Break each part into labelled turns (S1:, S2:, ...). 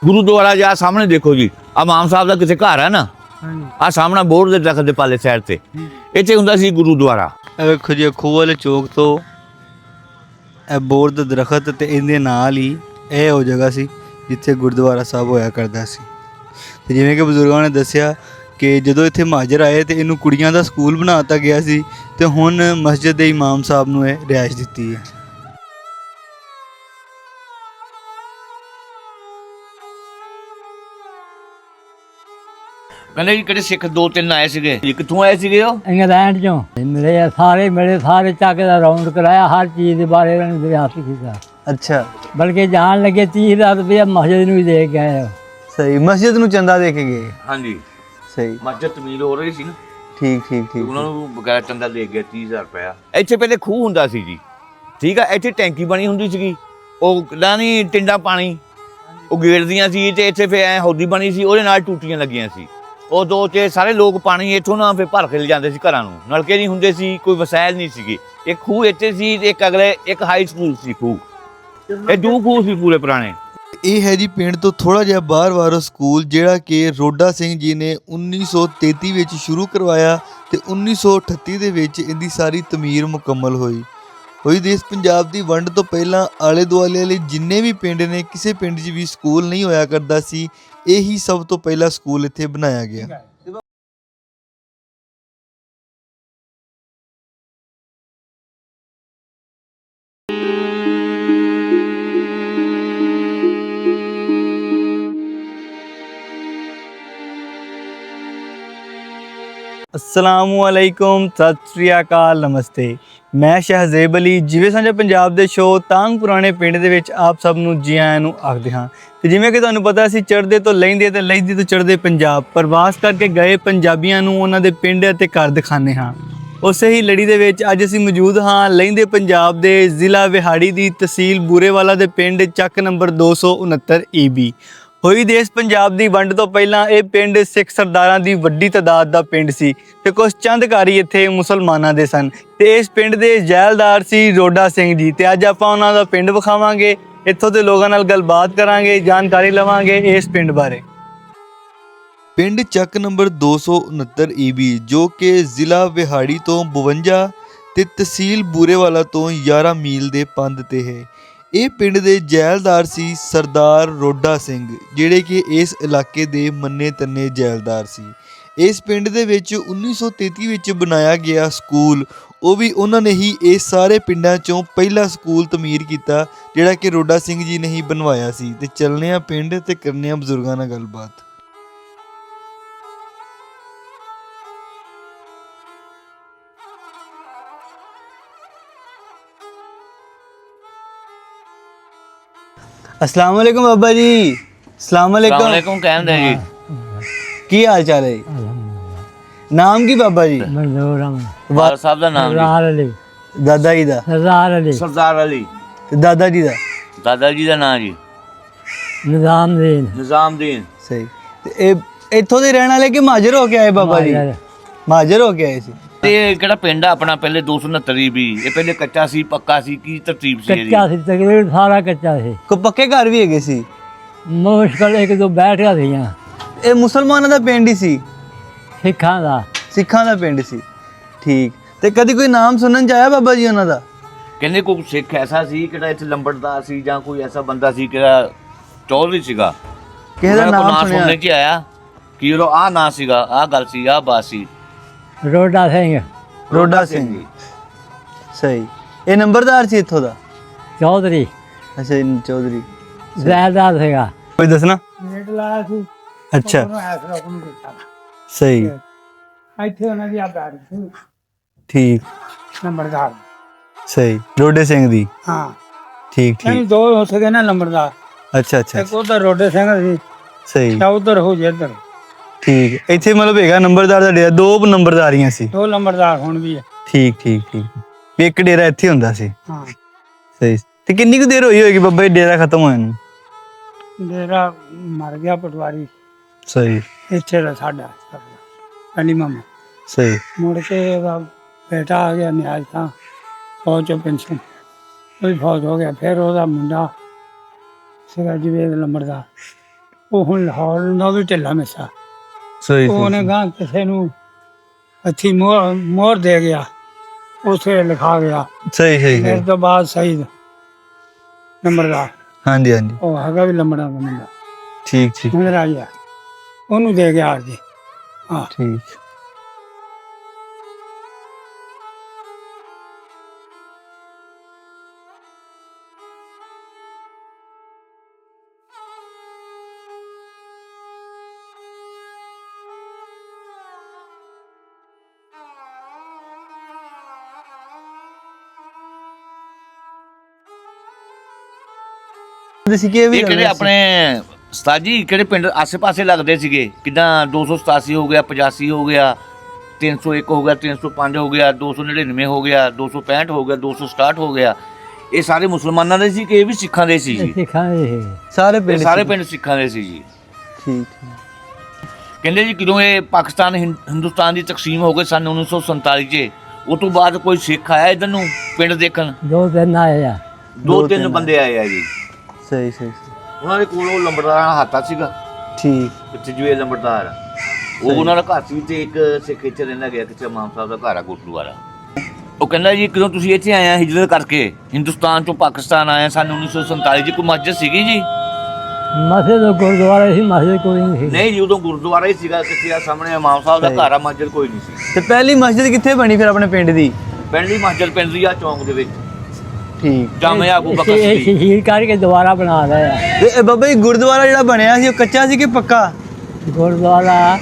S1: ਗੁਰੂਦੁਆਰਾ ਜਾ ਸਾਹਮਣੇ ਦੇਖੋ ਜੀ, ਆ ਮਾਮ ਸਾਹਿਬ ਦਾ ਕਿਸੇ ਘਰ ਹੈ ਨਾ, ਆ ਸਾਹਮਣਾ ਬੋਰਡ ਦੇ ਦਰਖਤ ਦੇ ਪਾਲੇ ਸਾਈਡ ਤੇ ਇੱਥੇ ਹੁੰਦਾ ਸੀ ਗੁਰੂਦੁਆਰਾ।
S2: ਇਹ ਵੇਖੋ ਜੀ ਖੂਹ ਵਾਲੇ ਚੌਕ ਤੋਂ ਇਹ ਬੋਰਡ ਦਾ ਦਰਖਤ ਤੇ ਇਹਦੇ ਨਾਲ ਹੀ ਇਹ ਉਹ ਜਗ੍ਹਾ ਸੀ ਜਿੱਥੇ ਗੁਰਦੁਆਰਾ ਸਾਹਿਬ ਹੋਇਆ ਕਰਦਾ ਸੀ। ਤੇ ਜਿਵੇਂ ਕਿ ਬਜ਼ੁਰਗਾਂ ਨੇ ਦੱਸਿਆ ਕਿ ਜਦੋਂ ਇੱਥੇ ਮਹਾਜਰ ਆਏ ਤੇ ਇਹਨੂੰ ਕੁੜੀਆਂ ਦਾ ਸਕੂਲ ਬਣਾ ਦਿੱਤਾ ਗਿਆ ਸੀ ਤੇ ਹੁਣ ਮਸਜਿਦ ਦੇ ਇਮਾਮ ਸਾਹਿਬ ਨੂੰ ਇਹ ਰਿਹਾਇਸ਼ ਦਿੱਤੀ ਹੈ।
S1: ਕਹਿੰਦੇ ਜੀ ਕਿਹੜੇ ਸਿੱਖ 2-3 ਆਏ ਸੀਗੇ ਜੀ, ਕਿੱਥੋਂ ਆਏ ਸੀਗੇ ਉਹ?
S3: ਇੰਗਲੈਂਡ ਚੋਂ ਮਿਲੇ ਸਾਰੇ ਚੱਕ ਦਾ ਰਾਉਂਡ ਕਰਾਇਆ, ਹਰ ਚੀਜ਼ ਦੇ ਬਾਰੇ ਇਹਨਾਂ ਨੇ ਰਿਆਸਤ ਕੀਤਾ।
S2: ਅੱਛਾ,
S3: ਬਲਕਿ ਜਾਣ ਲੱਗੇ 30,000 ਰੁਪਇਆ ਮਸਜਿਦ ਨੂੰ ਹੀ ਦੇ ਕੇ ਆਏ।
S2: ਸਹੀ, ਮਸਜਿਦ ਨੂੰ ਚੰਦਾ ਦੇ ਕੇ ਗਏ।
S1: ਹਾਂਜੀ
S2: ਸਹੀ,
S1: ਮਸਜਿਦ ਤਮੀਰ ਹੋ ਰਹੀ ਸੀ ਨਾ।
S2: ਠੀਕ ਠੀਕ ਠੀਕ।
S1: ਉਹਨਾਂ ਨੂੰ ਬਗੈਰ ਚੰਦਾ ਦੇ ਗਿਆ 30,000 ਰੁਪਇਆ। ਇੱਥੇ ਪਹਿਲੇ ਖੂਹ ਹੁੰਦਾ ਸੀ ਜੀ, ਠੀਕ ਆ, ਇੱਥੇ ਟੈਂਕੀ ਬਣੀ ਹੁੰਦੀ ਸੀਗੀ, ਉਹ ਕਿਹੜਾ ਨਹੀਂ ਟਿੰਡਾ ਪਾਣੀ ਉਹ ਗੇੜਦੀਆਂ ਸੀ ਤੇ ਇੱਥੇ ਫਿਰ ਐ ਹੌਦੀ ਬਣੀ ਸੀ, ਉਹਦੇ ਨਾਲ ਟੂਟੀਆਂ ਲੱਗੀਆਂ ਸੀ। ਉਹ ਦੋ ਤੇ ਸਾਰੇ ਲੋਕ ਪਾਣੀ ਇੱਥੋਂ ਨਾ ਫਿਰ ਭਰ ਕੇ ਲੈ ਜਾਂਦੇ ਸੀ ਘਰਾਂ ਨੂੰ, ਨਲਕੇ ਨਹੀਂ ਹੁੰਦੇ ਸੀ, ਕੋਈ ਵਸਾਇਲ ਨਹੀਂ ਸੀਗੇ। ਇੱਕ ਖੂਹ ਇੱਥੇ ਸੀ ਤੇ ਇੱਕ ਅਗਲੇ ਇੱਕ ਹਾਈ ਸਕੂਲ ਸੀ ਖੂਹ, ਇਹ ਦੋ ਖੂਹ ਸੀ ਪੂਰੇ ਪੁਰਾਣੇ।
S2: ਇਹ ਹੈ ਜੀ ਪਿੰਡ ਤੋਂ ਥੋੜਾ ਜਿਹਾ ਬਾਹਰ ਵਾਲਾ ਸਕੂਲ ਜਿਹੜਾ ਕਿ ਰੋਡਾ ਸਿੰਘ ਜੀ ਨੇ 1933 ਵਿੱਚ ਸ਼ੁਰੂ ਕਰਵਾਇਆ ਤੇ 1938 ਦੇ ਵਿੱਚ ਇਹਦੀ ਸਾਰੀ ਤਮੀਰ ਮੁਕੰਮਲ ਹੋਈ। ਦੇਸ਼ ਪੰਜਾਬ ਦੀ ਵੰਡ ਤੋਂ ਪਹਿਲਾਂ ਆਲੇ ਦੁਆਲੇ ਵਾਲੇ ਜਿੰਨੇ ਵੀ ਪਿੰਡ ਨੇ, ਕਿਸੇ ਪਿੰਡ 'ਚ ਵੀ ਸਕੂਲ ਨਹੀਂ ਹੋਇਆ ਕਰਦਾ ਸੀ, ਇਹੀ ਸਭ ਤੋਂ ਪਹਿਲਾ ਸਕੂਲ ਇੱਥੇ ਬਣਾਇਆ ਗਿਆ। अस्सलामुअलैकुम, सत श्री अकाल, नमस्ते। मैं शहजेब अली ਜਿਵੇਂ ਸਾਂਝਾ ਪੰਜਾਬ ਦੇ ਸ਼ੋਅ ਤਾਂਗ ਪੁਰਾਣੇ ਪਿੰਡ ਦੇ ਵਿੱਚ ਆਪ ਸਭ ਨੂੰ ਜੀ ਆਇਆਂ ਨੂੰ ਆਖਦੇ ਹਾਂ। ਤੇ ਜਿਵੇਂ ਕਿ ਤੁਹਾਨੂੰ ਪਤਾ ਸੀ ਚੜ੍ਹਦੇ ਤੋਂ ਲਹਿੰਦੇ ਤੇ ਲਹਿੰਦੇ ਤੋਂ ਚੜ੍ਹਦੇ ਪੰਜਾਬ ਪ੍ਰਵਾਸ ਕਰਕੇ ਗਏ ਪੰਜਾਬੀਆਂ ਨੂੰ ਉਹਨਾਂ ਦੇ ਪਿੰਡ ਅਤੇ ਘਰ ਦਿਖਾਉਂਦੇ ਹਾਂ। ਉਸੇ ਹੀ ਲੜੀ ਦੇ ਵਿੱਚ ਅੱਜ ਅਸੀਂ ਮੌਜੂਦ ਹਾਂ ਲਹਿੰਦੇ ਪੰਜਾਬ ਦੇ ਜ਼ਿਲ੍ਹਾ ਵਿਹਾੜੀ ਦੀ ਤਹਿਸੀਲ ਬੂਰੇਵਾਲਾ ਦੇ ਪਿੰਡ ਚੱਕ ਨੰਬਰ 269 EB। ਹੋਈ ਦੇਸ਼ ਪੰਜਾਬ ਦੀ ਵੰਡ ਤੋਂ ਪਹਿਲਾਂ ਇਹ ਪਿੰਡ ਸਿੱਖ ਸਰਦਾਰਾਂ ਦੀ ਵੱਡੀ ਤਾਦਾਦ ਦਾ ਪਿੰਡ ਸੀ ਤੇ ਕੁਝ ਚੰਦ ਘਰ ਹੀ ਇੱਥੇ ਮੁਸਲਮਾਨਾਂ ਦੇ ਸਨ ਤੇ ਇਸ ਪਿੰਡ ਦੇ ਜੈਲਦਾਰ ਸੀ ਰੋਡਾ ਸਿੰਘ ਜੀ। ਤੇ ਅੱਜ ਆਪਾਂ ਉਹਨਾਂ ਦਾ ਪਿੰਡ ਵਿਖਾਵਾਂਗੇ, ਇੱਥੋਂ ਦੇ ਲੋਕਾਂ ਨਾਲ ਗੱਲਬਾਤ ਕਰਾਂਗੇ, ਜਾਣਕਾਰੀ ਲਵਾਂਗੇ ਇਸ ਪਿੰਡ ਬਾਰੇ। ਪਿੰਡ ਚੱਕ ਨੰਬਰ 269 EB ਜੋ ਕਿ ਜ਼ਿਲ੍ਹਾ ਵਿਹਾੜੀ ਤੋਂ 52 ਤੇ ਤਹਿਸੀਲ ਬੂਰੇਵਾਲਾ ਤੋਂ 11 ਮੀਲ ਦੇ ਪੰਧ ਤੇ ਹੈ। ਇਹ ਪਿੰਡ ਦੇ ਜੈਲਦਾਰ ਸੀ ਸਰਦਾਰ ਰੋਡਾ ਸਿੰਘ, ਜਿਹੜੇ ਕਿ ਇਸ ਇਲਾਕੇ ਦੇ ਮੰਨੇ ਤੰਨੇ ਜੈਲਦਾਰ ਸੀ। ਇਸ ਪਿੰਡ ਦੇ ਵਿੱਚ 1933 ਵਿੱਚ ਬਣਾਇਆ ਗਿਆ ਸਕੂਲ, ਉਹ ਵੀ ਉਹਨਾਂ ਨੇ ਹੀ ਇਸ ਸਾਰੇ ਪਿੰਡਾਂ ਚੋਂ ਪਹਿਲਾ ਸਕੂਲ ਤਮੀਰ ਕੀਤਾ ਜਿਹੜਾ ਕਿ ਰੋਡਾ ਸਿੰਘ ਜੀ ਨੇ ਹੀ ਬਣਵਾਇਆ ਸੀ। ਤੇ ਚੱਲਨੇ ਆ ਪਿੰਡ ਤੇ ਕਰਨੇ ਆ ਬਜ਼ੁਰਗਾਂ ਨਾਲ ਗੱਲਬਾਤ। अस्सलाम वालेकुम बाबा जी। अस्सलाम वालेकुम।
S1: ਕਹਿੰਦੇ ਜੀ
S2: की हाल चाल है? नाम की बाबा जी?
S3: ਮਨਜ਼ੂਰ ਅਹਿਮਦ
S1: ਵਾਲ ਸਾਹਿਬ ਦਾ ਨਾਮ
S3: ਸਰਦਾਰ ਅਲੀ।
S2: दादा जी दा?
S3: ਸਰਦਾਰ ਅਲੀ।
S1: ਸਰਦਾਰ ਅਲੀ।
S2: ते दादा जी दा?
S1: ਦਾਦਾ ਜੀ ਦਾ ਨਾਮ ਜੀ
S3: ਨਿਜ਼ਾਮਦੀਨ।
S1: ਨਿਜ਼ਾਮਦੀਨ।
S2: सही। ते ए इत्थों दे रहने वाले कि महाजर हो के आए बाबा जी? महाजर हो के आए सी।
S1: ਤੇ ਕਿਹੜਾ ਪਿੰਡ ਆ ਆਪਣਾ ਪਹਿਲੇ 269 EB, ਇਹ ਪਹਿਲੇ ਕੱਚਾ ਸੀ ਪੱਕਾ ਸੀ, ਕੀ ਤਰਤੀਬ ਸੀ ਇਹਦੀ?
S3: ਕੱਚਾ ਸੀ, ਤਕਰੀਬਨ ਸਾਰਾ ਕੱਚਾ ਸੀ।
S2: को पक्के घर भी हैगे सी?
S3: ਮੁਸ਼ਕਲ ਇੱਕ ਦੋ ਬੈਠਿਆ ਸੀਆਂ।
S2: ਇਹ ਮੁਸਲਮਾਨਾਂ ਦਾ ਪਿੰਡ ਹੀ ਸੀ?
S3: ਸਿੱਖਾਂ ਦਾ।
S2: ਸਿੱਖਾਂ ਦਾ ਪਿੰਡ ਸੀ, ਠੀਕ। ਤੇ ਕਦੀ ਕੋਈ ਨਾਮ ਸੁਣਨ ਚ ਆਇਆ ਬਾਬਾ ਜੀ ਉਹਨਾਂ ਦਾ?
S1: ਕਹਿੰਦੇ ਕੋਈ ਸਿੱਖ ਐਸਾ ਸੀ ਕਿਹੜਾ ਇੱਥੇ ਲੰਬੜਦਾਰ ਸੀ ਜਾਂ ਕੋਈ ਐਸਾ ਬੰਦਾ ਸੀ ਕਿਹੜਾ ਚੌਧਰੀ ਸੀਗਾ,
S2: ਕਿਸੇ ਦਾ ਨਾਮ
S1: ਸੁਣਨੇ
S2: ਸੁਣਿਆ?
S1: ਚ ਆਇਆ ਕਿ ਉਹ ਆ ਨਾਂ ਸੀਗਾ, ਆ ਗੱਲ ਸੀ, ਆ ਬਾਤ ਸੀ।
S3: ਰੋਡਾ ਸਿੰਘ।
S2: ਰੋਡਾ ਸਿੰਘ ਜੀ, ਸਹੀ। ਇਹ ਨੰਬਰਦਾਰ ਸੀ ਇੱਥੋਂ ਦਾ?
S3: ਚੌਧਰੀ।
S2: ਅੱਛਾ ਜੀ, ਚੌਧਰੀ।
S3: ਜ਼ੈਦਾਰ ਸੀਗਾ।
S2: ਕੋਈ ਦੱਸਣਾ?
S4: ਨੇਟ ਲਾਇਆ ਸੀ,
S2: ਅੱਛਾ,
S4: ਉਹਨੂੰ ਐਸਾ ਹੁਕਮ ਕੀਤਾ।
S2: ਸਹੀ,
S4: ਇੱਥੇ ਉਹਨਾਂ ਦੀ ਆਬਾਦੀ ਸੀ
S2: ਠੀਕ,
S4: ਨੰਬਰਦਾਰ।
S2: ਸਹੀ। ਰੋਡੇ ਸਿੰਘ ਦੀ?
S4: ਹਾਂ,
S2: ਠੀਕ
S4: ਨਹੀਂ
S2: ਠੀਕ।
S4: ਦੋ ਹੋ ਸਕੇ ਨਾ ਨੰਬਰਦਾਰ,
S2: ਅੱਛਾ ਅੱਛਾ,
S4: ਇੱਕ ਉਧਰ ਰੋਡੇ ਸਿੰਘ ਸੀ
S2: ਸਹੀ,
S4: ਜਾਂ ਉਧਰ ਹੋ ਜੇ ਇੱਧਰ।
S2: ਠੀਕ। ਇੱਥੇ ਮਤਲਬ ਹੈਗਾ ਨੰਬਰਦਾਰ ਦਾ ਡੇਰਾ, ਦੋ ਨੰਬਰਦਾਰੀਆਂ ਸੀ?
S4: ਦੋ ਨੰਬਰਦਾਰ ਹੁਣ ਵੀ ਹੈ।
S2: ਠੀਕ ਠੀਕ ਠੀਕ। ਵੀ ਇੱਕ ਡੇਰਾ ਇੱਥੇ ਹੁੰਦਾ ਸੀ?
S4: ਹਾਂ।
S2: ਸਹੀ। ਤੇ ਕਿੰਨੀ ਕੁ ਦੇਰ ਹੋਈ ਹੋਏਗੀ ਬਾਬਾ ਜੀ ਡੇਰਾ ਖਤਮ ਹੋਇਆ ਨੂੰ?
S4: ਡੇਰਾ ਮਰ ਗਿਆ ਪਟਵਾਰੀ,
S2: ਸਹੀ
S4: ਇੱਥੇ ਦਾ ਸਾਡਾ ਅਲੀ ਮਾਮਾ।
S2: ਸਹੀ।
S4: ਮੁੜ ਕੇ ਉਹਦਾ ਬੇਟਾ ਆ ਗਿਆ ਨਿਆਜ਼ ਤਾਂ ਫੌਜ ਚੋਂ ਪੈਨਸ਼ਨ, ਉਹ ਵੀ ਫੌਜ ਹੋ ਗਿਆ। ਫਿਰ ਉਹਦਾ ਮੁੰਡਾ ਸੀਗਾ ਜਵੇਦ ਲੰਬੜਦਾਰ, ਉਹ ਹੁਣ ਲਾਹੌਰ ਦਾ ਵੀ ਢਿੱਲਾ ਮਿੱਸਾ
S2: ਸਹੀ
S4: ਉਹਨੇ ਗਾਂ ਕਿਸੇ ਨੂੰ ਅੱਛੀ ਮੋਹਰ ਦੇ ਗਿਆ, ਉਸੇ ਲਿਖਾ ਗਿਆ
S2: ਸਹੀ ਸਹੀ
S4: ਮੇਰੇ ਤੋਂ ਬਾਅਦ ਸਹੀ ਨੰਬਰਦਾਰ
S2: ਹਾਂਜੀ ਹਾਂਜੀ
S4: ਉਹ ਹੈਗਾ ਵੀ ਲੰਬੜਾ ਦਾ ਮੁੰਡਾ
S2: ਠੀਕ ਠੀਕ
S4: ਨਜ਼ਰ ਆ ਗਿਆ, ਉਹਨੂੰ ਦੇ ਗਿਆ ਜੀ। ਹਾਂ
S2: ਠੀਕ।
S1: ਇਹ ਕਿਹੜੇ ਆਪਣੇ ਉਸਤਾਦ ਜੀ ਕਿਹੜੇ ਪਿੰਡ ਆਸੇ-ਪਾਸੇ ਲੱਗਦੇ ਸੀਗੇ, ਕਿੱਦਾਂ 287 ਹੋ ਗਿਆ, 85 ਹੋ ਗਿਆ, 301 ਹੋ ਗਿਆ, 305 ਹੋ ਗਿਆ, 299 ਹੋ ਗਿਆ, 265 ਹੋ ਗਿਆ, 267 ਹੋ ਗਿਆ, ਇਹ ਸਾਰੇ ਮੁਸਲਮਾਨਾਂ ਦੇ ਸੀ ਕਿ ਇਹ ਵੀ ਸਿੱਖਾਂ ਦੇ ਸੀ ਜੀ?
S3: ਸਿੱਖਾਂ ਦੇ ਸੀ।
S2: ਸਾਰੇ
S1: ਪਿੰਡ ਸਿੱਖਾਂ ਦੇ ਸੀ ਜੀ।
S2: ਠੀਕ।
S1: ਕਹਿੰਦੇ ਜੀ ਕਿਦੋਂ ਇਹ ਪਾਕਿਸਤਾਨ ਹਿੰਦੁਸਤਾਨ ਦੀ ਤਕਸੀਮ ਹੋ ਗਈ ਸਨ 1947 'ਚ, ਉਹ ਤੋਂ ਬਾਅਦ ਕੋਈ ਸਿੱਖ ਆਇਆ ਇੱਧਰ ਨੂੰ ਪਿੰਡ ਦੇਖਣ?
S3: 2-3 ਆਏ ਆ।
S1: 2-3 ਬੰਦੇ ਆਏ ਆ ਜੀ।
S2: ਸਹੀ ਸਹੀ
S1: ਉਹਨਾਂ ਦੇ ਕੋਲ ਉਹ ਲੰਬੜਦਾਰਾਂ ਦਾ ਹਾਤਾ ਸੀਗਾ,
S2: ਠੀਕ।
S1: ਪਿੱਛੇ ਜੁਏ ਲੰਬੜਦਾਰ ਉਹ ਉਹਨਾਂ ਦਾ ਘਰ ਸੀ ਤੇ ਇੱਕ ਸਿੱਖ ਇੱਥੇ ਰਹਿੰਦਾ ਗਿਆ, ਕਿਤੇ ਇਮਾਮ ਸਾਹਿਬ ਦਾ ਘਰ ਆ ਗੁਰਦੁਆਰਾ। ਉਹ ਕਹਿੰਦਾ ਜੀ ਕਦੋਂ ਤੁਸੀਂ ਇੱਥੇ ਆਏ ਆ ਹਿਜਰਤ ਕਰਕੇ ਹਿੰਦੁਸਤਾਨ ਚੋਂ ਪਾਕਿਸਤਾਨ ਆਏ ਸਨ 1947 'ਚ, ਕੋਈ ਮਸਜਿਦ ਸੀਗੀ ਜੀ?
S3: ਮਸਜਿਦ ਗੁਰਦੁਆਰਾ ਸੀ, ਮਸਜਿਦ ਕੋਈ ਨਹੀਂ ਸੀ।
S1: ਨਹੀਂ ਜੀ, ਉਦੋਂ ਗੁਰਦੁਆਰਾ ਹੀ ਸੀਗਾ, ਕਿਤੇ ਆ ਸਾਹਮਣੇ ਇਮਾਮ ਸਾਹਿਬ ਦਾ ਘਰ ਆ, ਮਸਜਿਦ ਕੋਈ ਨਹੀਂ ਸੀ।
S2: ਤੇ ਪਹਿਲੀ ਮਸਜਿਦ ਕਿੱਥੇ ਬਣੀ ਫਿਰ ਆਪਣੇ ਪਿੰਡ ਦੀ?
S1: ਪਿੰਡ ਦੀ ਮਸਜਿਦ ਪਿੰਡ ਦੀ ਆ ਚੌਂਕ ਦੇ ਵਿੱਚ,
S2: ਠੀਕ।
S1: ਜਾਮਿਆ ਅਬੂ ਬਕਰ
S3: ਇਹ
S1: ਸਿੱਦੀਕ।
S3: ਸ਼ਹੀਦ ਕਰਕੇ ਦੁਬਾਰਾ ਬਣਾ ਲਿਆ ਆ।
S2: ਤੇ ਇਹ ਬਾਬਾ ਜੀ ਗੁਰਦੁਆਰਾ ਜਿਹੜਾ ਬਣਿਆ ਸੀ ਉਹ ਕੱਚਾ ਸੀ ਕਿ ਪੱਕਾ?
S3: ਗੁਰਦੁਆਰਾ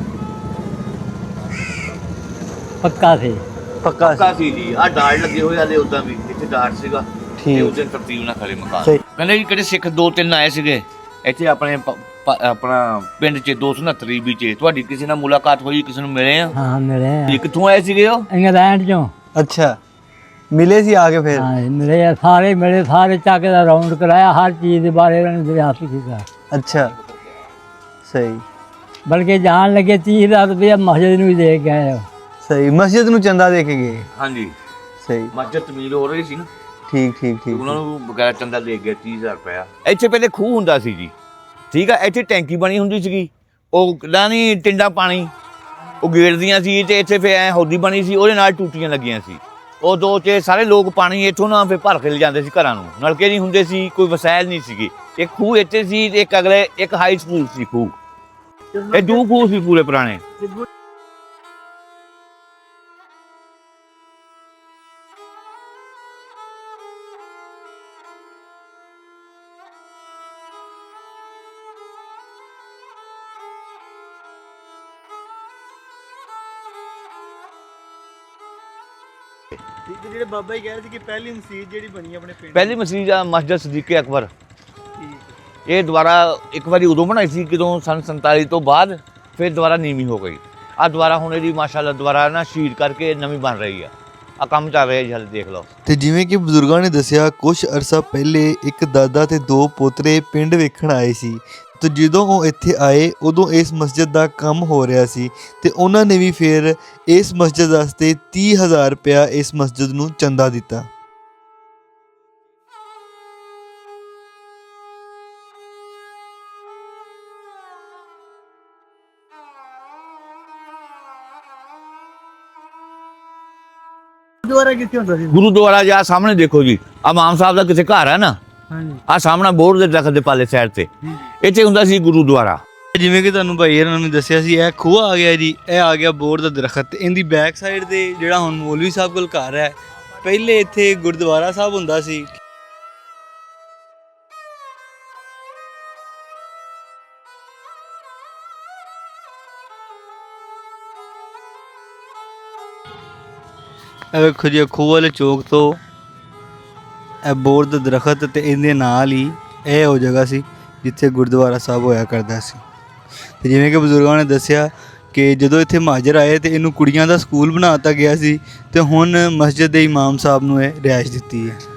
S3: ਪੱਕਾ ਸੀ।
S1: ਪੱਕਾ ਸੀ ਜੀ। ਆ ਡਾੜ ਲੱਗੇ ਹੋਏ ਆਲੇ ਉਦਾਂ ਵੀ ਇੱਥੇ ਡਾੜ ਸੀਗਾ ਤੇ
S2: ਠੀਕ।
S1: ਉਸ ਦਿਨ ਤਰਤੀਬ ਨਾਲ ਖੜੇ ਮਕਾਨ।
S2: ਸਹੀ।
S1: ਕਹਿੰਦੇ ਜੀ ਕਿਹੜੇ ਸਿੱਖ 2-3 ਆਏ ਸੀਗੇ ਇੱਥੇ ਆਪਣੇ ਆਪਣਾ ਪਿੰਡ 'ਚ 269 ਈਸਵੀ 'ਚ, ਤੁਹਾਡੀ ਕਿਸੇ ਨਾਲ ਮੁਲਾਕਾਤ ਹੋਈ, ਕਿਸੇ ਨੂੰ ਮਿਲੇ ਆ?
S3: ਹਾਂ ਮਿਲੇ ਆ।
S1: ਜੀ ਕਿੱਥੋਂ ਆਏ ਸੀਗੇ ਉਹ?
S3: ਇੰਗਲੈਂਡ ਚੋਂ।
S2: ਅੱਛਾ, ਮਿਲੇ ਸੀ ਆ ਕੇ ਫਿਰ?
S3: ਹਾਂ ਮਿਲੇ ਆ, ਸਾਰੇ ਮਿਲੇ, ਸਾਰੇ ਚੱਕ ਦਾ ਰਾਉਂਡ ਕਰਾਇਆ, ਹਰ ਚੀਜ਼ ਦੇ ਬਾਰੇ ਉਹਨਾਂ ਨੇ ਦਰਿਆਫਤ ਕੀਤਾ।
S2: ਅੱਛਾ ਸਹੀ।
S3: ਬਲਕਿ ਜਾਣ ਲੱਗੇ 30,000 ਰੁਪਇਆ ਮਸਜਿਦ ਨੂੰ ਵੀ ਦੇ ਕੇ ਆਏ।
S2: ਸਹੀ, ਮਸਜਿਦ ਨੂੰ ਚੰਦਾ ਦੇ ਕੇ ਗਏ?
S1: ਹਾਂਜੀ,
S2: ਸਹੀ।
S1: ਮਸਜਿਦ ਤਮੀਰ ਹੋ ਰਹੀ ਸੀ ਨਾ,
S2: ਠੀਕ ਠੀਕ ਠੀਕ।
S1: ਉਹਨਾਂ ਨੂੰ ਬਗੈਰ ਚੰਦਾ ਦੇ ਗਿਆ 30,000 ਰੁਪਇਆ। ਇੱਥੇ ਪਹਿਲੇ ਖੂਹ ਹੁੰਦਾ ਸੀ ਜੀ, ਠੀਕ ਆ, ਇੱਥੇ ਟੈਂਕੀ ਬਣੀ ਹੁੰਦੀ ਸੀਗੀ, ਉਹ ਕਿੱਦਾਂ ਨਹੀਂ ਟਿੰਡਾ ਪਾਣੀ ਉਹ ਗੇੜਦੀਆਂ ਸੀ, ਤੇ ਇੱਥੇ ਫਿਰ ਐ ਹੌਦੀ ਬਣੀ ਸੀ, ਉਹਦੇ ਨਾਲ ਟੂਟੀਆਂ ਲੱਗੀਆਂ ਸੀ। ਉਹ ਦੋ ਚ ਸਾਰੇ ਲੋਕ ਪਾਣੀ ਇੱਥੋਂ ਨਾ ਫਿਰ ਭਰ ਕੇ ਲੈ ਜਾਂਦੇ ਸੀ ਘਰਾਂ ਨੂੰ, ਨਲਕੇ ਨਹੀਂ ਹੁੰਦੇ ਸੀ, ਕੋਈ ਵਸਾਇਲ ਨਹੀਂ ਸੀਗੀ। ਇੱਕ ਖੂਹ ਇੱਥੇ ਸੀ, ਇੱਕ ਅਗਲੇ ਇੱਕ ਹਾਈ ਸਕੂਲ ਸੀ ਖੂਹ, ਇਹ ਦੋ ਖੂਹ ਸੀ ਪੂਰੇ ਪੁਰਾਣੇ।
S2: ਜਿਹੜੇ ਬਾਬਾ ਜੀ ਕਹਿ ਰਹੇ ਸੀ ਕਿ ਪਹਿਲੀ ਮਸਜਿਦ ਜਿਹੜੀ ਬਣੀ ਆਪਣੇ ਪਿੰਡ,
S1: ਪਹਿਲੀ ਮਸਜਿਦ ਆ ਮਸਜਿਦ ਸਦੀਕ ਅਕਬਰ। ਇਹ ਦੁਬਾਰਾ ਇੱਕ ਵਾਰੀ ਉਦੋਂ ਬਣਾਈ ਸੀ ਜਦੋਂ ਸੰਨ 47 ਤੋਂ ਬਾਅਦ, ਫਿਰ ਦੁਬਾਰਾ ਨੀਵੀਂ ਹੋ ਗਈ। ਆ ਦੁਬਾਰਾ ਹੁਣ ਇਹਦੀ ਮਾਸ਼ਾਅੱਲਾ ਦੁਬਾਰਾ ਨਾ ਸ਼ੀਰ ਕਰਕੇ ਨਵੀਂ ਬਣ ਰਹੀ ਆ ਕੰਮ ਚੱਲ ਰਿਹਾ ਜੀ, ਹਾਲੇ ਦੇਖ ਲਓ।
S5: ਤੇ ਜਿਵੇਂ ਕਿ ਬਜ਼ੁਰਗਾਂ ਨੇ ਦੱਸਿਆ, ਕੁਝ ਅਰਸਾ ਪਹਿਲੇ ਇੱਕ ਦਾਦਾ ਤੇ 2 ਪੋਤਰੇ ਪਿੰਡ ਵੇਖਣ ਆਏ ਸੀ, ਤੇ ਜਦੋਂ ਉਹ ਇੱਥੇ ਆਏ ਉਦੋਂ ਇਸ ਮਸਜਿਦ ਦਾ ਕੰਮ ਹੋ ਰਿਹਾ ਸੀ, ਤੇ ਉਹਨਾਂ ਨੇ ਵੀ ਫਿਰ ਇਸ ਮਸਜਿਦ ਵਾਸਤੇ 30,000 ਰੁਪਇਆ ਇਸ ਮਸਜਿਦ ਨੂੰ ਚੰਦਾ ਦਿੱਤਾ।
S2: ਗੁਰਦੁਆਰਾ ਕਿੱਥੇ ਹੁੰਦਾ ਸੀ?
S1: ਗੁਰੂਦੁਆਰਾ ਜਾ ਸਾਹਮਣੇ ਦੇਖੋ ਜੀ, ਆ ਇਮਾਮ ਸਾਹਿਬ ਦਾ ਕਿਸੇ ਘਰ ਹੈ ਨਾ,
S2: ਹਾਂਜੀ।
S1: ਆ ਸਾਹਮਣਾ ਬੋਰਡ ਦੇ ਦਰਖਤ ਦੇ ਪਾਲੇ ਸਾਈਡ ਤੇ ਇੱਥੇ ਹੁੰਦਾ ਸੀ ਗੁਰੂਦੁਆਰਾ।
S2: ਜਿਵੇਂ ਕਿ ਤੁਹਾਨੂੰ ਭਾਈ ਇਹਨਾਂ ਨੇ ਦੱਸਿਆ ਸੀ, ਇਹ ਖੂਹ ਆ ਗਿਆ ਜੀ, ਇਹ ਆ ਗਿਆ ਬੋਰਡ ਦਾ ਦਰਖਤ, ਤੇ ਇਹਦੀ ਬੈਕ ਸਾਈਡ ਤੇ ਜਿਹੜਾ ਹੁਣ ਮੌਲਵੀ ਸਾਹਿਬ ਕੋਲ ਘਰ ਹੈ, ਪਹਿਲੇ ਇੱਥੇ ਗੁਰਦੁਆਰਾ ਸਾਹਿਬ ਹੁੰਦਾ ਸੀ। ਇਹ ਵੇਖੋ ਜੀ, ਖੂਹ ਵਾਲੇ ਚੌਕ ਤੋਂ ਇਹ ਬੋਰਡ ਦਾ ਦਰਖਤ, ਤੇ ਇਹਦੇ ਨਾਲ ਹੀ ਇਹ ਉਹ ਜਗ੍ਹਾ ਸੀ ਜਿੱਥੇ ਗੁਰਦੁਆਰਾ ਸਾਹਿਬ ਹੋਇਆ ਕਰਦਾ ਸੀ। ਤੇ ਜਿਵੇਂ ਕਿ ਬਜ਼ੁਰਗਾਂ ਨੇ ਦੱਸਿਆ ਕਿ ਜਦੋਂ ਇੱਥੇ ਮਹਾਜਰ ਆਏ ਤੇ ਇਹਨੂੰ ਕੁੜੀਆਂ ਦਾ ਸਕੂਲ ਬਣਾ ਦਿੱਤਾ ਗਿਆ ਸੀ, ਤੇ ਹੁਣ ਮਸਜਿਦ ਦੇ ਇਮਾਮ ਸਾਹਿਬ ਨੂੰ ਇਹ ਰਿਹਾਇਸ਼ ਦਿੱਤੀ ਹੈ।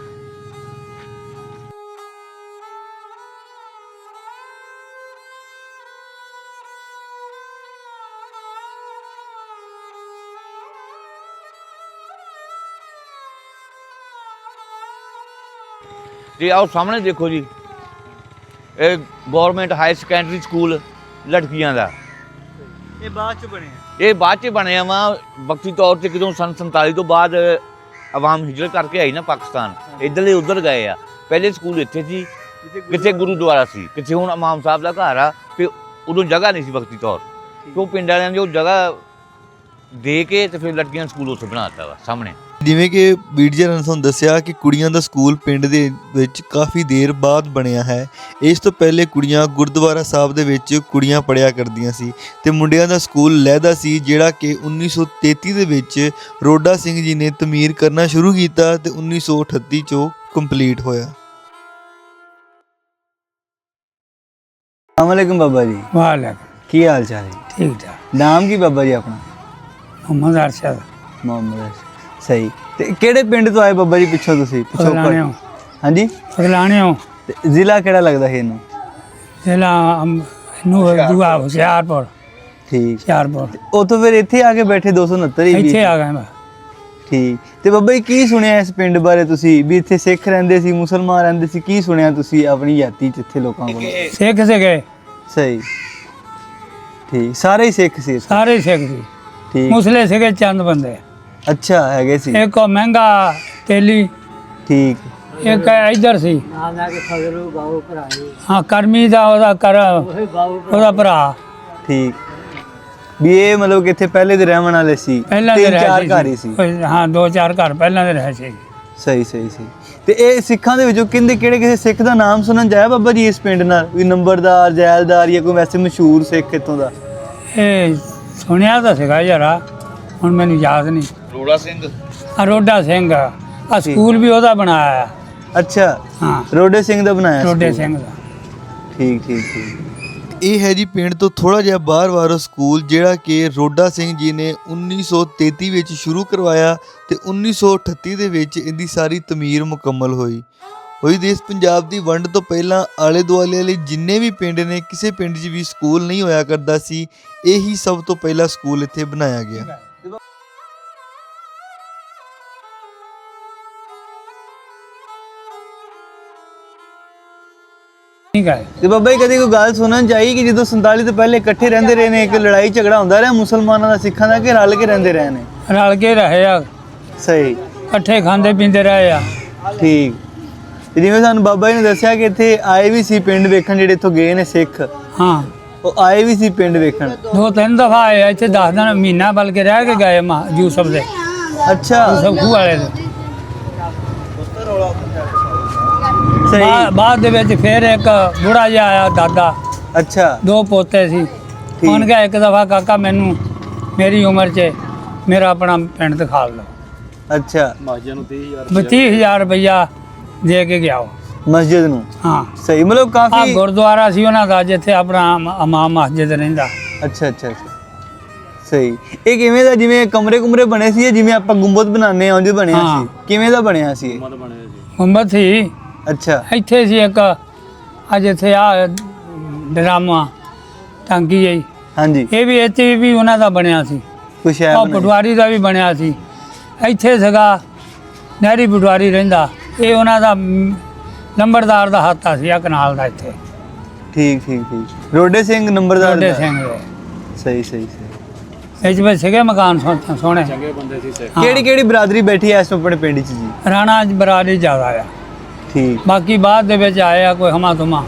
S1: ਤੇ ਆਓ ਸਾਹਮਣੇ ਦੇਖੋ ਜੀ, ਇਹ ਗਵਰਨਮੈਂਟ ਹਾਈ ਸੈਕੰਡਰੀ ਸਕੂਲ ਲੜਕੀਆਂ ਦਾ।
S2: ਇਹ ਬਾਅਦ ਚ ਬਣਿਆ।
S1: ਇਹ ਬਾਅਦ 'ਚ ਬਣਿਆ ਵਾ ਵਕਤੀ ਤੌਰ 'ਤੇ, ਜਦੋਂ ਸੰਨ 47 ਤੋਂ ਬਾਅਦ ਆਵਾਮ ਹਿਜਰਤ ਕਰਕੇ ਆਈ ਨਾ ਪਾਕਿਸਤਾਨ, ਇੱਧਰਲੇ ਉੱਧਰ ਗਏ ਆ। ਪਹਿਲੇ ਸਕੂਲ ਇੱਥੇ ਸੀ, ਕਿਤੇ ਗੁਰੂਦੁਆਰਾ ਸੀ, ਕਿਤੇ ਹੁਣ ਇਮਾਮ ਸਾਹਿਬ ਦਾ ਘਰ ਆ, ਤੇ ਉਦੋਂ ਜਗ੍ਹਾ ਨਹੀਂ ਸੀ ਵਕਤੀ ਤੌਰ, ਤੇ ਉਹ ਪਿੰਡ ਵਾਲਿਆਂ ਨੇ ਉਹ ਜਗ੍ਹਾ ਦੇ ਕੇ ਤੇ ਫਿਰ ਲੜਕੀਆਂ ਸਕੂਲ ਉੱਥੇ ਬਣਾਤਾ ਵਾ ਸਾਹਮਣੇ।
S5: ਜਿਵੇਂ ਕਿ ਵੀਡੀਓ ਨੇ ਤੁਹਾਨੂੰ ਦੱਸਿਆ ਕਿ ਕੁੜੀਆਂ ਦਾ ਸਕੂਲ ਪਿੰਡ ਦੇ ਵਿੱਚ ਕਾਫੀ ਦੇਰ ਬਾਅਦ ਬਣਿਆ ਹੈ। ਇਸ ਤੋਂ ਪਹਿਲੇ ਕੁੜੀਆਂ ਗੁਰਦੁਆਰਾ ਸਾਹਿਬ ਦੇ ਵਿੱਚ ਕੁੜੀਆਂ ਪੜ੍ਹਿਆ ਕਰਦੀਆਂ ਸੀ ਤੇ ਮੁੰਡਿਆਂ ਦਾ ਸਕੂਲ ਲਹਿਦਾ ਸੀ, ਜਿਹੜਾ ਕਿ 1933 ਦੇ ਵਿੱਚ ਰੋਡਾ ਸਿੰਘ ਜੀ ਨੇ ਤਮੀਰ ਕਰਨਾ ਸ਼ੁਰੂ ਕੀਤਾ ਤੇ 1938 'ਚੋਂ ਕੰਪਲੀਟ ਹੋਇਆ।
S2: अस्सलामुअलैकुम बाबा जी,
S4: वालेकुम
S2: की हाल चाल है?
S4: ठीक ठाक।
S2: नाम की बाबा जी अपना?
S4: मोहम्मद अरशद
S2: मोहम्मद अरशद। सही। ते केड़े पिंड तो आए बाबा जी पिछों तुसी?
S4: फगलाने हो।
S2: हाँ जी।
S4: फगलाने हो।
S2: ते जिला केड़ा लगदा है इनू?
S4: जिला दुआ हुशियारपुर।
S2: ठीक।
S4: हुशियारपुर।
S2: उतो फिर इत्थे आके बैठे 269 ही
S4: ਇੱਥੇ ਆ ਗਏ ਮੈਂ।
S2: ठीक। ते बाबा जी की सुनिया इस पिंड बारे तुसी भी इत्थे सिख रहिंदे सी, मुसलमान रहिंदे सी, की सुनिया तुसी अपनी याती च इत्थे लोकां कोल?
S4: सिख सीगे।
S2: सही। ठीक। सारे ही सिख सी?
S4: सारे सिख सी।
S2: ठीक।
S4: मुसले सीगे चंद बंदे।
S2: अच्छा हैगे सी।
S4: एक को महंगा तेली,
S2: ठीक।
S4: एक इधर सी हाँ करमी दा ओदा कर ओदा भरा।
S2: ठीक। भी ये मतलब कि इत्थे पहले दे रहन वाले सी?
S4: ਪਹਿਲਾਂ ਦੇ
S2: तीन
S4: ਰਹੇ
S2: चार घर ही सी?
S4: ਹਾਂ 2-4 ਘਰ ਪਹਿਲਾਂ ਦੇ ਰਹੇ ਸੀ।
S2: ਸਹੀ ਸਹੀ ਸਹੀ। ਤੇ ਇਹ ਸਿੱਖਾਂ ਦੇ ਵਿੱਚੋਂ ਕਿੰਦੇ ਕਿਹੜੇ ਕਿਸੇ ਸਿੱਖ ਦਾ ਨਾਮ ਸੁਣਨ ਜਾਇਆ ਬਾਬਾ ਜੀ ਇਸ ਪਿੰਡ ਨਾਲ, ਵੀ ਨੰਬਰਦਾਰ, ਜੈਲਦਾਰ ਜਾਂ ਕੋਈ ਵੈਸੇ ਮਸ਼ਹੂਰ ਸਿੱਖ ਇੱਥੋਂ ਦਾ?
S4: ਇਹ ਸੁਣਿਆ ਤਾਂ ਸੀਗਾ ਯਾਰਾ, ਹੁਣ ਮੈਨੂੰ ਯਾਦ ਨਹੀਂ।
S1: ਰੋੜਾ ਸਿੰਘ।
S4: ਰੋਡਾ ਸਿੰਘ ਆ ਸਕੂਲ ਵੀ ਉਹਦਾ ਬਣਾਇਆ।
S2: ਅੱਛਾ।
S4: ਹਾਂ
S2: ਰੋਡੇ ਸਿੰਘ ਦਾ ਬਣਾਇਆ
S4: ਰੋਡੇ
S2: ਸਕੂਲ।
S4: ਸਿੰਘ ਦਾ।
S2: ਠੀਕ ਠੀਕ ਠੀਕ।
S5: ਇਹ ਹੈ ਜੀ ਪਿੰਡ ਤੋਂ ਥੋੜਾ ਜਿਹਾ ਬਾਹਰ ਵਾਲਾ ਸਕੂਲ, ਜਿਹੜਾ ਕਿ ਰੋਡਾ ਸਿੰਘ ਜੀ ਨੇ 1933 ਵਿੱਚ ਸ਼ੁਰੂ ਕਰਵਾਇਆ ਤੇ 1938 ਦੇ ਵਿੱਚ ਇਹਦੀ ਸਾਰੀ ਤਮੀਰ ਮੁਕੰਮਲ ਹੋਈ। ਦੇਸ਼ ਪੰਜਾਬ ਦੀ ਵੰਡ ਤੋਂ ਪਹਿਲਾਂ ਆਲੇ ਦੁਆਲੇ ਵਾਲੇ ਜਿੰਨੇ ਵੀ ਪਿੰਡ ਨੇ, ਕਿਸੇ ਪਿੰਡ 'ਚ ਵੀ ਸਕੂਲ ਨਹੀਂ ਹੋਇਆ ਕਰਦਾ ਸੀ। ਇਹੀ ਸਭ ਤੋਂ ਪਹਿਲਾ ਸਕੂਲ ਇੱਥੇ ਬਣਾਇਆ ਗਿਆ।
S4: ਠੀਕ ਹੈ।
S2: ਤੇ ਬਾਬਾ ਜੀ ਕਦੇ ਕੋਈ ਗੱਲ ਸੁਣਨ ਚਾਹੀ ਕਿ ਜਦੋਂ 47 ਤੋਂ ਪਹਿਲੇ ਇਕੱਠੇ ਰਹਿੰਦੇ ਰਹੇ ਨੇ, ਇੱਕ ਲੜਾਈ ਝਗੜਾ ਹੁੰਦਾ ਰਿਹਾ ਮੁਸਲਮਾਨਾਂ ਦਾ ਸਿੱਖਾਂ ਦਾ, ਕਿ ਰਲ ਕੇ ਰਹਿੰਦੇ ਰਹੇ ਨੇ?
S4: ਰਲ ਕੇ ਰਹੇ ਆ,
S2: ਸਹੀ।
S4: ਇਕੱਠੇ ਖਾਂਦੇ ਪੀਂਦੇ ਰਹੇ ਆ।
S2: ਠੀਕ। ਤੇ ਜਿਵੇਂ ਸਾਨੂੰ ਬਾਬਾ ਜੀ ਨੇ ਦੱਸਿਆ ਕਿ ਇੱਥੇ ਆਏ ਵੀ ਸੀ ਪਿੰਡ ਵੇਖਣ, ਜਿਹੜੇ ਇੱਥੋਂ ਗਏ ਨੇ ਸਿੱਖ,
S4: ਹਾਂ
S2: ਉਹ ਆਏ ਵੀ ਸੀ ਪਿੰਡ ਵੇਖਣ।
S4: 2-3 ਦਫਾ ਆਏ ਆ ਇੱਥੇ, 10 ਦਿਨ ਮਹੀਨਾ ਬਲਕਿ ਰਹਿ ਕੇ ਗਏ ਮਾਂ ਯੂਸਫ ਦੇ।
S2: ਅੱਛਾ।
S4: ਯੂਸਫ ਖੂਹ ਵਾਲੇ ਦੇ।
S2: ਸਹੀ।
S4: ਬਾਅਦ ਦੇ ਵਿੱਚ ਫਿਰ ਇੱਕ ਬੁੜਾ ਜਿਹਾ ਆਇਆ ਦਾਦਾ,
S2: ਅੱਛਾ। 2
S4: ਪੋਤੇ ਸੀ। ਉਹਨੇ ਕਿਹਾ ਇੱਕ ਦਫਾ ਕਾਕਾ ਮੈਨੂੰ ਮੇਰੀ ਉਮਰ 'ਚ ਮੇਰਾ ਆਪਣਾ ਪਿੰਡ ਦਿਖਾ ਲਓ।
S2: ਅੱਛਾ।
S4: 30,000 ਰੁਪਈਆ ਦੇ ਕੇ ਗਿਆ ਉਹ
S2: ਮਸਜਿਦ ਨੂੰ?
S4: ਹਾਂ
S2: ਸਹੀ। ਮਤਲਬ
S4: ਆ
S2: ਕਾਫੀ।
S4: ਗੁਰਦੁਆਰਾ ਸੀ ਉਹਨਾਂ ਦਾ, ਜਿੱਥੇ ਆਪਣਾ ਇਮਾਮ ਮਸਜਿਦ ਰਹਿੰਦਾ।
S2: ਅੱਛਾ ਅੱਛਾ ਅੱਛਾ। ਸਹੀ। ਇਹ ਕਿਵੇਂ ਦਾ, ਜਿਵੇਂ ਕਮਰੇ ਕੁਮਰੇ ਬਣੇ ਸੀ, ਜਿਵੇਂ ਆਪਾਂ ਗੁੰਬਦ ਬਣਾਉਂਦੇ ਆ ਉਂਝ ਬਣਿਆ
S4: ਹਾਂ।
S2: ਸੀ? ਕਿਵੇਂ ਦਾ ਬਣਿਆ ਸੀ ਇਹ?
S4: ਗੁੰਬਦ ਸੀ
S2: ਅੱਛਾ।
S4: ਇੱਥੇ ਸੀ ਇੱਕ ਅੱਜ ਇੱਥੇ ਆ ਡਰਾਮਾ ਟਾਂਕੀ ਜਿਹੀ,
S2: ਹਾਂਜੀ।
S4: ਇਹ ਵੀ ਇੱਥੇ ਵੀ ਉਹਨਾਂ ਦਾ ਬਣਿਆ ਸੀ।
S2: ਕੁਛ ਹੈ
S4: ਉਹ ਪਟਵਾਰੀ ਦਾ ਵੀ ਬਣਿਆ ਸੀ। ਇੱਥੇ ਸੀਗਾ ਨਹਿਰੀ ਪਟਵਾਰੀ ਰਹਿੰਦਾ, ਇਹ ਉਹਨਾਂ ਦਾ ਨੰਬਰਦਾਰ ਦਾ ਹੱਥਾ ਸੀ ਆ ਕਨਾਲ ਦਾ ਇੱਥੇ।
S2: ਠੀਕ ਠੀਕ ਠੀਕ। ਰੋਡੇ ਸਿੰਘ ਨੰਬਰਦਾਰ
S4: ਰੋਡੇ
S2: ਦਾ?
S4: ਸਿੰਘ ਦੇ
S2: ਸਹੀ ਸਹੀ ਸਹੀ।
S4: ਇਹ ਵਿੱਚ ਸੀਗੇ ਮਕਾਨ ਸੋਹਣੇ। ਹਾਂ।
S2: ਕਿਹੜੀ ਕਿਹੜੀ ਬਰਾਦਰੀ ਬੈਠੀ ਐ ਇਸ ਆਪਣੇ ਪਿੰਡ 'ਚ ਜੀ?
S4: ਰਾਣਾ ਬਰਾਦਰੀ ਜ਼ਿਆਦਾ ਆ,
S2: ਠੀਕ।
S4: ਬਾਕੀ ਬਾਅਦ ਦੇ ਵਿੱਚ ਆਏ ਆ ਕੋਈ ਹਮਾ ਤੁਮਾ।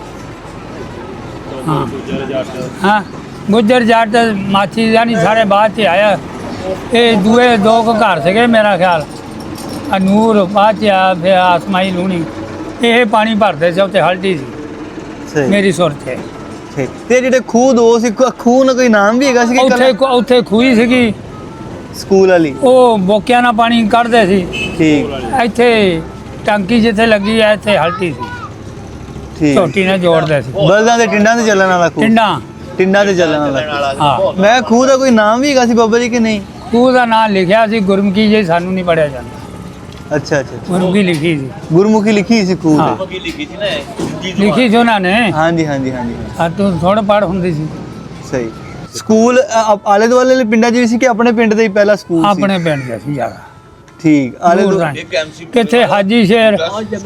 S4: ਹਾਂ ਹਾਂ ਗੁੱਜਰ ਜੱਟ ਮਾਛੀ ਯਾਨੀ ਸਾਰੇ ਬਾਅਦ 'ਚ ਆਇਆ। ਇਹ ਦੂਏ 2 ਘਰ ਸੀਗੇ ਮੇਰਾ ਖਿਆਲ, ਆ ਨੂਰ ਬਾਅਦ 'ਚ ਆ, ਫਿਰ ਆਸਮਾਈ ਲੂਣੀ। ਇਹ ਪਾਣੀ ਭਰਦੇ ਸੀ ਉੱਥੇ, ਹਲਟੀ ਸੀ
S2: ਸਹੀ।
S4: ਮੇਰੀ ਸੁਰਤ 'ਚ।
S2: ਠੀਕ। ਤੇ ਜਿਹੜੇ ਖੂਹ 2 ਸੀ, ਖੂਹ ਨਾਲ ਕੋਈ ਨਾਮ ਵੀ ਹੈਗਾ ਸੀ ਕਿ
S4: ਉੱਥੇ ਖੂਹੀ ਸੀਗੀ,
S2: ਸਕੂਲ ਵਾਲੀ?
S4: ਉਹ ਬੋਕਿਆਂ ਨਾਲ ਪਾਣੀ ਕੱਢਦੇ ਸੀ।
S2: ਠੀਕ
S4: ਇੱਥੇ ਟੰਕੀ ਜਿੱਥੇ ਲੱਗੀ ਆ, ਇੱਥੇ ਹਲਟੀ ਸੀ,
S2: ਠੀਕ।
S4: ਝੋਟੀ ਨਾਲ ਜੋੜਦੇ ਸੀ।
S2: ਬਲਦਾਂ ਦੇ ਟਿੰਡਾਂ ਤੇ ਚੱਲਣ ਵਾਲਾ ਖੂਹ? ਟਿੰਡਾਂ ਤੇ ਚੱਲਣ ਵਾਲਾ।
S4: ਹਾਂ।
S2: ਮੈਂ ਖੂਹ ਦਾ ਕੋਈ ਨਾਮ ਵੀ ਹੈਗਾ ਸੀ ਬਾਬਾ ਜੀ ਕਿ ਨਹੀਂ?
S4: ਖੂਹ ਦਾ ਨਾਂ ਲਿਖਿਆ ਸੀ ਗੁਰਮੁਖੀ ਜੀ, ਸਾਨੂੰ ਨਹੀਂ ਪੜਿਆ ਜਾਂਦਾ।
S2: ਅੱਛਾ ਅੱਛਾ।
S4: ਗੁਰਮੁਖੀ ਲਿਖੀ ਸੀ।
S2: ਗੁਰਮੁਖੀ ਲਿਖੀ ਸੀ ਖੂਹ
S4: ਹਾਂ
S2: ਤੇ?
S4: ਲਿਖੀ ਸੀ ਉਹਨਾਂ ਨੇ।
S2: ਹਾਂਜੀ ਹਾਂਜੀ ਹਾਂਜੀ।
S4: ਆ ਤੂੰ ਥੋੜਾ ਪੜ੍ਹ ਹੁੰਦੀ ਸੀ।
S2: ਸਹੀ। ਸਕੂਲ ਆਲੇ ਦੁਆਲੇ ਵਾਲੇ ਪਿੰਡਾਂ 'ਚ ਵੀ ਸੀ ਕਿ ਆਪਣੇ ਪਿੰਡ ਦਾ ਹੀ ਪਹਿਲਾ ਸਕੂਲ ਸੀ?
S4: ਆਪਣੇ ਪਿੰਡ ਦਾ ਸੀ ਜ਼ਿਆਦਾ।
S2: ਠੀਕ ਆਲੇ
S4: ਦੂਰ
S2: ਦੋ
S4: ਤਾਂ
S1: ਇੱਕ ਐਮਸੀ
S4: ਕਿੱਥੇ ਹਾਜੀ ਸ਼ੇਰ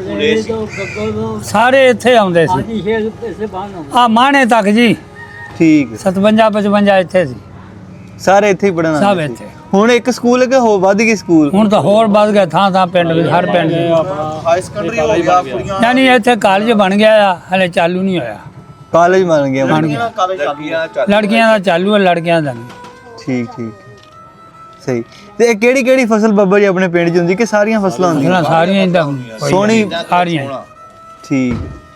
S4: ਸਾਰੇ ਇੱਥੇ ਆਉਂਦੇ ਸੀ
S3: ਹਾਜੀ ਸ਼ੇਰ ਇਸੇ ਬਾਹਰ
S4: ਆ ਮਾਣੇ ਤੱਕ ਜੀ
S2: ਠੀਕ
S4: 57 55 ਇੱਥੇ ਸੀ
S2: ਸਾਰੇ ਇੱਥੇ ਹੀ ਪੜਨ
S4: ਸਭ ਇੱਥੇ
S2: ਹੁਣ ਇੱਕ ਸਕੂਲ ਹੈ ਕਿ ਹੋ ਵੱਧ ਗਈ ਸਕੂਲ
S4: ਹੁਣ ਤਾਂ ਹੋਰ ਵੱਧ ਗਿਆ ਥਾਂ ਥਾਂ ਪਿੰਡ ਵਿੱਚ ਹਰ ਪਿੰਡ 'ਚ
S5: ਹਾਈ ਸੈਕੰਡਰੀ ਹੋ ਗਿਆ ਕੁੜੀਆਂ
S4: ਯਾਨੀ ਇੱਥੇ ਕਾਲਜ ਬਣ ਗਿਆ ਆ ਹਲੇ ਚਾਲੂ ਨਹੀਂ ਹੋਇਆ
S2: ਕਾਲਜ ਬਣ ਗਿਆ
S4: ਬਣ ਗਿਆ
S1: ਲੜਕੀਆਂ ਚੱਲ
S4: ਲੜਕੀਆਂ ਦਾ ਚਾਲੂ ਹੈ ਲੜਕਿਆਂ ਦਾ ਨਹੀਂ
S2: ਠੀਕ ਠੀਕ ਸਹੀ ਤੇ ਇਹ ਕਿਹੜੀ ਕਿਹੜੀ ਫਸਲ ਬੱਬਾ ਜੀ ਆਪਣੇ ਪਿੰਡ 'ਚ ਹੁੰਦੀ ਕਿ ਸਾਰੀਆਂ ਫਸਲਾਂ ਹੁੰਦੀਆਂ
S4: ਫਸਲਾਂ ਸਾਰੀਆਂ ਇੰਦਾ
S2: ਸੋਹਣੀ
S4: ਸਾਰੀਆਂ
S2: ਠੀਕ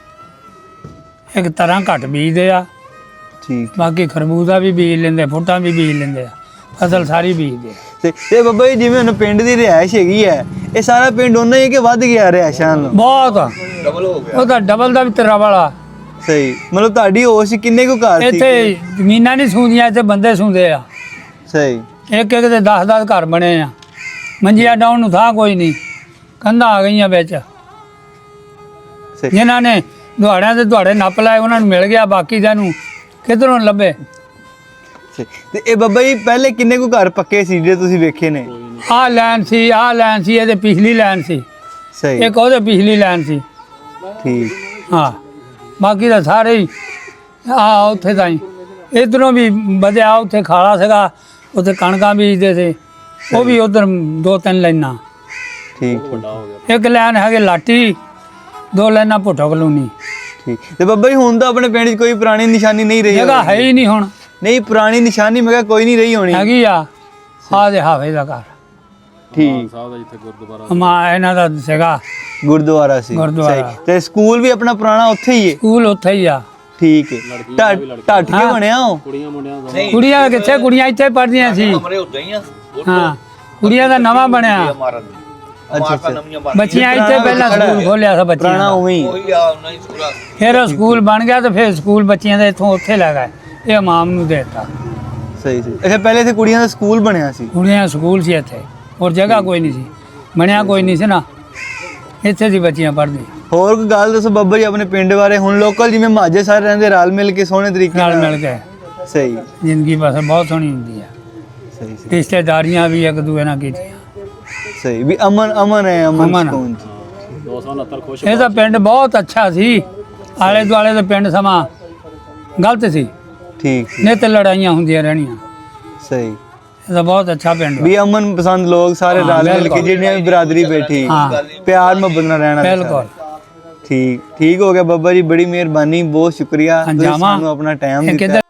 S4: ਇੱਕ ਤਰ੍ਹਾਂ ਘੱਟ ਬੀਜਦੇ ਆ
S2: ਠੀਕ
S4: ਬਾਕੀ ਖਰਬੂਜ਼ਾ ਵੀ ਬੀਜ ਲੈਂਦੇ ਫੁੱਟਾਂ ਵੀ ਬੀਜ ਲੈਂਦੇ ਆ ਫਸਲ ਸਾਰੀ ਬੀਜਦੇ ਆ
S2: ਤੇ ਬੱਬਾ ਜੀ ਜਿਵੇਂ ਹੁਣ ਪਿੰਡ ਦੀ ਰਿਹਾਇਸ਼ ਹੈਗੀ ਹੈ ਇਹ ਸਾਰਾ ਪਿੰਡ ਉਹਨਾਂ ਹੀ ਹੈ ਕਿ ਵੱਧ ਗਿਆ ਰਿਹਾਇਸ਼ਾਂ ਨੂੰ
S4: ਬਹੁਤ
S1: ਡਬਲ ਹੋ ਗਿਆ
S4: ਉਹ ਤਾਂ ਡਬਲ ਦਾ ਵੀ ਤੇਰਾ ਵਾਲਾ
S2: ਸਹੀ ਮਤਲਬ ਤੁਹਾਡੀ ਹੋਸ਼ ਕਿੰਨੇ ਕੁ ਘਰ ਸੀ
S4: ਇੱਥੇ ਜ਼ਮੀਨਾਂ ਨਹੀਂ ਸੂੰਦੀਆਂ ਇੱਥੇ ਬੰਦੇ ਸੂੰਦੇ ਆ
S2: ਸਹੀ
S4: ਇੱਕ ਇੱਕ ਦੇ 10-10 ਘਰ ਬਣੇ ਆ ਮੰਜੀਆਂ ਡਾਉਣ ਨੂੰ ਥਾਂ ਕੋਈ ਨਹੀਂ ਕੰਧਾਂ ਆ ਗਈਆਂ ਵਿੱਚ
S2: ਸਹੀ
S4: ਜਿਨ੍ਹਾਂ ਨੇ ਦੁਹਾੜਿਆਂ ਦੇ ਦੁਹਾੜੇ ਨੱਪ ਲਾਏ ਉਹਨਾਂ ਨੂੰ ਮਿਲ ਗਿਆ ਬਾਕੀ ਦਿਆਂ ਨੂੰ ਕਿੱਧਰੋਂ ਲੱਭੇ
S2: ਸਹੀ। ਤੇ ਇਹ ਬੱਬਾ ਜੀ ਪਹਿਲੇ ਕਿੰਨੇ ਕੁ ਘਰ ਪੱਕੇ ਸੀ ਜੇ ਤੁਸੀਂ ਵੇਖੇ ਨੇ
S4: ਆਹ ਲੈਣ ਸੀ ਇਹਦੇ ਪਿਛਲੀ ਲੈਣ ਸੀ
S2: ਸਹੀ
S4: ਇੱਕ ਉਹਦੇ ਪਿਛਲੀ ਲੈਣ ਸੀ
S2: ਠੀਕ
S4: ਹਾਂ ਬਾਕੀ ਤਾਂ ਸਾਰੇ ਹੀ ਆ ਉੱਥੇ ਤਾਂ ਹੀ ਇਧਰੋਂ ਵੀ ਵਧਿਆ ਉੱਥੇ ਖਾਲਾ ਸੀਗਾ ਉੱਥੇ ਕਣਕਾਂ ਬੀਜਦੇ ਸੀ ਉਹ ਵੀ ਉਧਰ 2-3 ਲਾਈਨਾਂ
S2: ਠੀਕ
S4: ਇੱਕ ਲਾਈਨ ਹੈਗੇ ਲਾਟੀ 2 ਲਾਈਨਾਂ ਭੁੱਟੋ ਕਲੋਨੀ
S2: ਠੀਕ ਤੇ ਬੱਬਾ ਜੀ ਹੁਣ ਤਾਂ ਆਪਣੇ ਪਿੰਡ 'ਚ ਕੋਈ ਪੁਰਾਣੀ ਨਿਸ਼ਾਨੀ ਨਹੀਂ ਰਹੀ
S4: ਜਗ੍ਹਾ ਹੈ ਹੀ ਨਹੀਂ ਹੁਣ
S2: ਨਹੀਂ ਪੁਰਾਣੀ ਨਿਸ਼ਾਨੀ ਮੈਂ ਕਿਹਾ ਕੋਈ ਨਹੀਂ ਰਹੀ ਹੋਣੀ
S4: ਹੈਗੀ ਆ ਦੇ ਹਾਵੇ ਦਾ ਘਰ
S2: ਠੀਕ
S4: ਮਾ ਇਹਨਾਂ ਦਾ ਸੀਗਾ
S2: ਗੁਰਦੁਆਰਾ ਸੀ
S4: ਗੁਰਦੁਆਰਾ।
S2: ਸਹੀ। ਤੇ ਸਕੂਲ ਵੀ ਆਪਣਾ ਪੁਰਾਣਾ ਉੱਥੇ ਹੀ ਹੈ
S4: ਸਕੂਲ ਉੱਥੇ ਹੀ ਆ
S2: ਠੀਕ ਹੈ ਢੱਠ ਕੇ ਬਣਿਆ ਉਹ
S4: ਕੁੜੀਆਂ ਕਿੱਥੇ ਕੁੜੀਆਂ ਇੱਥੇ ਪੜ੍ਹਦੀਆਂ ਸੀ
S1: ਕਮਰੇ ਉੱਤੇ ਹੀ ਆ
S4: ਹਾਂ ਕੁੜੀਆਂ ਦਾ ਨਵਾਂ ਬਣਿਆ
S1: ਮਾਰਨ
S2: ਅੱਛਾ
S1: ਨਵੀਆਂ ਬਣ
S4: ਬੱਚੀਆਂ ਇੱਥੇ ਪਹਿਲਾਂ ਸਕੂਲ ਖੋਲਿਆ ਸੀ ਬੱਚਿਆਂ
S2: ਪੁਰਾਣਾ
S4: ਦਾ।
S2: ਉਵੇਂ ਹੀ
S1: ਉਹੀ ਆ ਉਹਨਾਂ ਹੀ ਪੂਰਾ
S4: ਫਿਰ ਉਹ ਸਕੂਲ ਬਣ ਗਿਆ ਤੇ ਫਿਰ ਸਕੂਲ ਬੱਚਿਆਂ ਦਾ ਇੱਥੋਂ ਉੱਥੇ ਲੈ ਗਏ ਇਹ ਇਮਾਮ ਨੂੰ ਦੇ ਦਿੱਤਾ
S2: ਸਹੀ ਸਹੀ ਅੱਛਾ ਪਹਿਲੇ ਇੱਥੇ ਕੁੜੀਆਂ ਦਾ ਸਕੂਲ ਬਣਿਆ ਸੀ
S4: ਕੁੜੀਆਂ ਦਾ ਸਕੂਲ ਸੀ ਇੱਥੇ ਹੋਰ ਜਗ੍ਹਾ ਕੋਈ ਨਹੀਂ ਸੀ ਬਣਿਆ ਕੋਈ ਨਹੀਂ ਸੀ ਨਾ ਇੱਥੇ ਦੀ ਬੱਚੀਆਂ ਪੜ੍ਹਦੀਆਂ
S2: ਹੋਰ ਕੋਈ ਗੱਲ ਦੱਸੋ ਬੱਬਾ ਜੀ ਆਪਣੇ ਪਿੰਡ ਬਾਰੇ ਹੁਣ ਲੋਕਲ ਜਿਵੇਂ ਮਾਝੇ ਸਾਰੇ ਰਹਿੰਦੇ ਰਲ ਮਿਲ ਕੇ ਸੋਹਣੇ ਤਰੀਕੇ
S4: ਨਾਲ ਮਿਲ ਕੇ
S2: ਸਹੀ
S4: ਜ਼ਿੰਦਗੀ ਬਸ ਬਹੁਤ ਸੋਹਣੀ ਹੁੰਦੀ ਆ
S2: ਸਹੀ ਸਹੀ
S4: ਰਿਸ਼ਤੇਦਾਰੀਆਂ ਵੀ ਇੱਕ ਦੂਏ ਨਾਲ ਕੀਤੀਆਂ
S2: ਸਹੀ ਵੀ ਅਮਨ ਅਮਨ ਹੈ ਅਮਨ
S4: ਅਮਨ।
S2: ਸਕੂਨ ਚ
S4: ਇਹ ਤਾਂ ਪਿੰਡ ਬਹੁਤ ਅੱਛਾ ਸੀ ਆਲੇ ਦੁਆਲੇ ਦੇ ਪਿੰਡ ਸਮਾਂ ਗਲਤ ਸੀ
S2: ਠੀਕ ਸੀ
S4: ਨਿੱਤ ਲੜਾਈਆਂ ਹੁੰਦੀਆਂ ਰਹਿਣੀਆਂ
S2: ਸਹੀ
S4: ਇਹ ਤਾਂ ਬਹੁਤ ਅੱਛਾ ਪਿੰਡ ਵਾ।
S2: ਵੀ ਅਮਨ ਪਸੰਦ ਲੋਕ ਸਾਰੇ
S4: ਹਾਂ,
S2: ਰਲ ਮਿਲ ਕੇ
S4: ਬਿਲਕੁਲ।
S2: ਜਿਹੜੀਆਂ ਵੀ ਬਰਾਦਰੀ ਬੈਠੀ
S4: ਹਾਂ
S2: ਪਿਆਰ ਮੁਹੱਬਤ ਨਾਲ ਰਹਿਣਾ
S4: ਬਿਲਕੁਲ
S2: ਠੀਕ ਠੀਕ ਹੋ ਗਿਆ ਬੱਬਾ ਜੀ ਬੜੀ ਮਿਹਰਬਾਨੀ ਬਹੁਤ ਸ਼ੁਕਰੀਆ ਤੁਸੀਂ
S4: ਜਾਵਾਂ।
S2: ਸਾਨੂੰ ਆਪਣਾ ਟਾਈਮ
S4: ਇਹ
S2: ਦਿੱਤਾ
S4: ਕਿੱਧਰ